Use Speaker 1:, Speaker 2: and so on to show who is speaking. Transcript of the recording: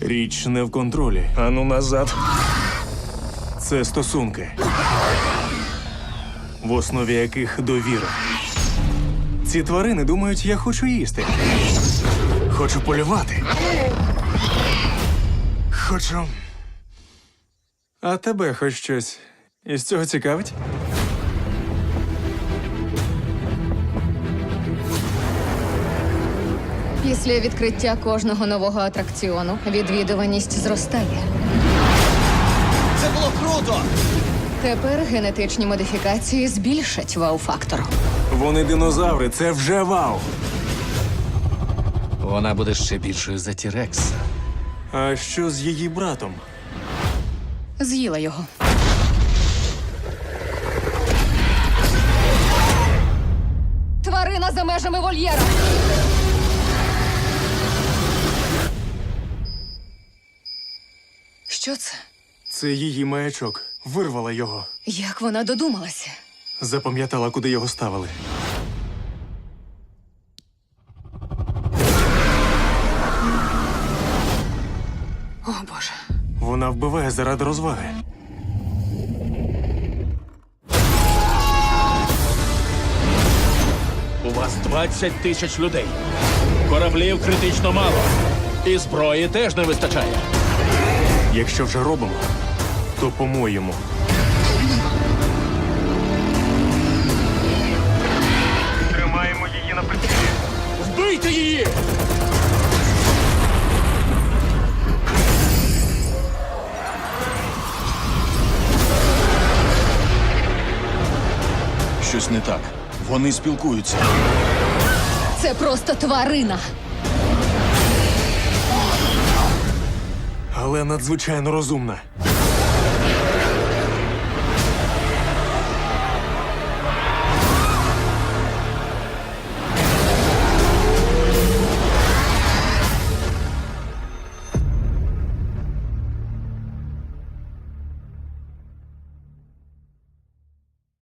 Speaker 1: Річ не в контролі.
Speaker 2: Ану назад.
Speaker 1: Це стосунки, в основі яких довіра. Ці тварини думають, я хочу їсти. Хочу полювати. Хочу. А тебе хоч щось із цього цікавить?
Speaker 3: Після відкриття кожного нового атракціону відвідуваність зростає.
Speaker 4: Це було круто!
Speaker 3: Тепер генетичні модифікації збільшать вау-фактор.
Speaker 1: Вони динозаври, це вже вау.
Speaker 4: Вона буде ще більшою за Тірекса.
Speaker 1: А що з її братом?
Speaker 3: З'їла його. Тварина за межами вольєра! Що це?
Speaker 1: Це її маячок. Вирвала його.
Speaker 3: Як вона додумалася?
Speaker 1: Запам'ятала, куди його ставили.
Speaker 3: О, Боже.
Speaker 1: Вона вбиває заради розваги.
Speaker 2: У вас 20 тисяч людей. Кораблів критично мало. І зброї теж не вистачає.
Speaker 1: Якщо вже робимо, то по-моєму. Тримаємо її на прицілі.
Speaker 2: Вбийте її!
Speaker 5: Щось не так. Вони спілкуються.
Speaker 3: Це просто тварина.
Speaker 1: Але надзвичайно розумна.